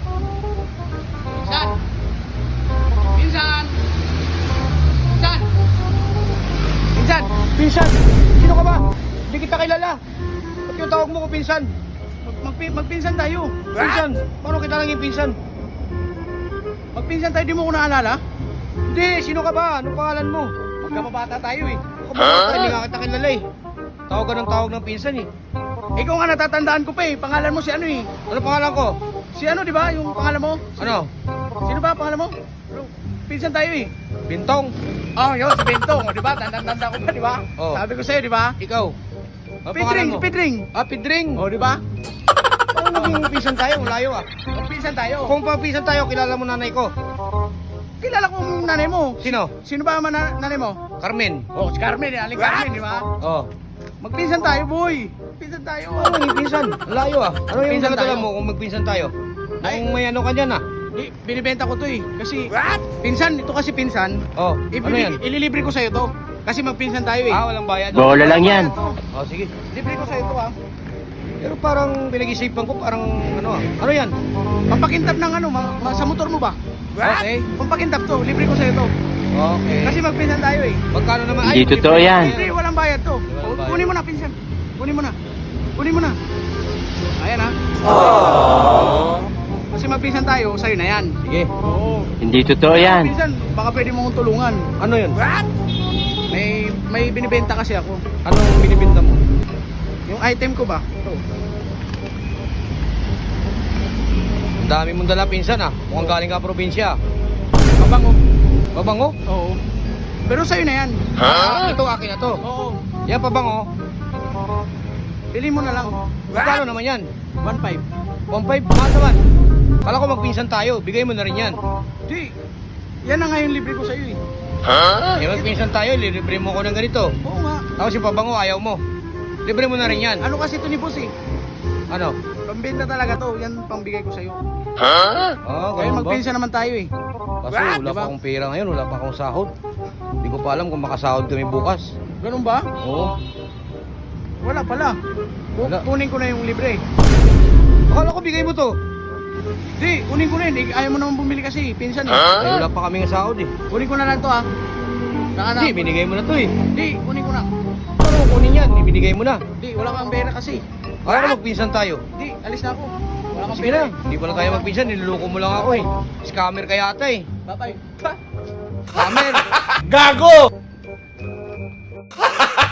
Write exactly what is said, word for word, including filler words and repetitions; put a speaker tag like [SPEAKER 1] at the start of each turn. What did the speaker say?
[SPEAKER 1] Pinsan! Pinsan! Pinsan! Pinsan!
[SPEAKER 2] Pinsan! Sino ka ba? Hindi kita kilala. Ba't yung tawag mo ko pinsan?
[SPEAKER 1] Mag magpi magpinsan tayo.
[SPEAKER 2] Pinsan? Paano kita naging pinsan?
[SPEAKER 1] Magpinsan tayo, di mo ko naalala?
[SPEAKER 2] Hindi, sino ka ba? Anong pangalan mo?
[SPEAKER 1] Magkababata tayo eh.
[SPEAKER 2] Ako ba? Hindi nga kita kilala eh. Tawag ka ng tawag ng pinsan eh.
[SPEAKER 1] Ikaw nga natatandaan ko pa eh. Pangalan mo si ano eh.
[SPEAKER 2] Ano pangalan ko?
[SPEAKER 1] Si ano, di ba? Yung pangalan mo?
[SPEAKER 2] Ano?
[SPEAKER 1] Sino ba pangalan mo? Pinsan tayo eh.
[SPEAKER 2] Bintong?
[SPEAKER 1] Oh, yun, si Bentong. O, di ba? Tandang-tanda ko pa, di ba?
[SPEAKER 2] Oh.
[SPEAKER 1] Sabi ko sa'yo, di ba?
[SPEAKER 2] Ikaw? Ano
[SPEAKER 1] Pedring,
[SPEAKER 2] pangalan
[SPEAKER 1] si
[SPEAKER 2] mo?
[SPEAKER 1] Pedring.
[SPEAKER 2] Ah, Pidring.
[SPEAKER 1] O, di ba?
[SPEAKER 2] Paano naging pinsan tayo? Layo ah.
[SPEAKER 1] Magpinsan tayo.
[SPEAKER 2] Kung pa pinsan tayo, kilala mo nanay ko.
[SPEAKER 1] Kilala ko yung nanay mo.
[SPEAKER 2] Sino?
[SPEAKER 1] Sino ba ang mana- nanay mo?
[SPEAKER 2] Carmen.
[SPEAKER 1] Oh, si Carmen, eh. Aling Carmen, di ba?
[SPEAKER 2] Oh.
[SPEAKER 1] Magpinsan tayo, boy. Pinsan tayo.
[SPEAKER 2] Ano naging pinsan? Layo ah. Ano yung
[SPEAKER 1] Pinsan
[SPEAKER 2] pinsan
[SPEAKER 1] tayo.
[SPEAKER 2] mo kung magpinsan tayo?
[SPEAKER 1] Ay.
[SPEAKER 2] Kung may ano ka dyan ah.
[SPEAKER 1] Di, binibenta ko to eh. Kasi, pinsan, ito kasi pinsan.
[SPEAKER 2] Oh, ano yan?
[SPEAKER 1] Ibibig, ililibre ko sa'yo to. Kasi magpinsan tayo eh.
[SPEAKER 2] Ah, walang bayad.
[SPEAKER 3] Bola lang yan.
[SPEAKER 2] Oh, sige.
[SPEAKER 1] Libre ko sa'yo to ah.
[SPEAKER 2] Pero parang pinag-isipan ko, parang ano ah. Ano yan?
[SPEAKER 1] Pampakintab ng ano, ma- ma- sa motor mo ba?
[SPEAKER 2] Okay.
[SPEAKER 1] Pampakintab to, libre ko sa'yo to.
[SPEAKER 2] Okay.
[SPEAKER 1] Kasi magpinsan tayo eh.
[SPEAKER 2] Magkano naman?
[SPEAKER 3] Hindi
[SPEAKER 2] Ay,
[SPEAKER 3] totoo
[SPEAKER 2] libre
[SPEAKER 3] yan.
[SPEAKER 2] na
[SPEAKER 1] Libre, walang bayad to.
[SPEAKER 2] Walang bayad.
[SPEAKER 1] Kunin mo na, pinsan. Kunin mo na. Kunin mo na. Ayan ha. Kasi magpinsan tayo, sa'yo na yan.
[SPEAKER 2] Sige.
[SPEAKER 1] Oo.
[SPEAKER 3] Hindi totoo yan.
[SPEAKER 1] Pinsan, baka pwede mo kong tulungan.
[SPEAKER 2] Ano yun?
[SPEAKER 1] May may binibenta kasi ako.
[SPEAKER 2] Anong binibinta mo?
[SPEAKER 1] Yung item ko ba? Ito.
[SPEAKER 2] Ang dami mong dala pinsan ah. Mukhang galing ka probinsya.
[SPEAKER 1] Mabango.
[SPEAKER 2] Pabango?
[SPEAKER 1] Oo. Pero sa'yo na yan.
[SPEAKER 2] Ah, ito akin na to.
[SPEAKER 1] Oo.
[SPEAKER 2] Yan pabango.
[SPEAKER 1] Pili mo na lang.
[SPEAKER 2] Magkano naman yan?
[SPEAKER 1] one five.
[SPEAKER 2] one five? Mahal naman. Kala ko magpinsan tayo. Bigay mo na rin yan.
[SPEAKER 1] Di. Yan na nga yung libre ko sa'yo eh.
[SPEAKER 2] Eh magpinsan tayo. Libre mo ko ng ganito.
[SPEAKER 1] Oo nga.
[SPEAKER 2] Tapos yung pabango ayaw mo. Libre mo na rin yan.
[SPEAKER 1] Ano kasi ito ni boss eh.
[SPEAKER 2] Ano?
[SPEAKER 1] Pambenta talaga to. Yan pangbigay ko sa'yo.
[SPEAKER 2] Oh,
[SPEAKER 1] Kaya
[SPEAKER 2] ganun ba?
[SPEAKER 1] magpinsan naman tayo eh.
[SPEAKER 2] Kaso wala
[SPEAKER 1] Diba?
[SPEAKER 2] pa akong pera ngayon. Wala pa akong sahod. Hindi ko pa alam kung makasahod kami bukas.
[SPEAKER 1] Ganun ba?
[SPEAKER 2] Oo.
[SPEAKER 1] Wala pala. Ku-
[SPEAKER 2] Wala.
[SPEAKER 1] Kunin ko na yung libre.
[SPEAKER 2] Akala ko bigay mo to.
[SPEAKER 1] Di, kunin ko na yun. Eh, ayaw mo naman bumili kasi. Pinsan eh.
[SPEAKER 2] Ay, wala pa kami ng sahod eh.
[SPEAKER 1] Kunin ko na lang to ah. Saka na.
[SPEAKER 2] Hindi, binigay mo na to eh.
[SPEAKER 1] Di, kunin ko na.
[SPEAKER 2] Paano mo kunin yan? Ibinigay mo na.
[SPEAKER 1] Di, wala kang pera kasi.
[SPEAKER 2] Akala ko magpinsan tayo.
[SPEAKER 1] Di, alis na ako. Wala kang
[SPEAKER 2] Sige
[SPEAKER 1] pera
[SPEAKER 2] na, hindi pa na tayo magpinsan. Niluluko mo lang ako eh. Scammer ka yata eh.
[SPEAKER 1] eh. Bye-bye.
[SPEAKER 2] Scammer!
[SPEAKER 3] Gago!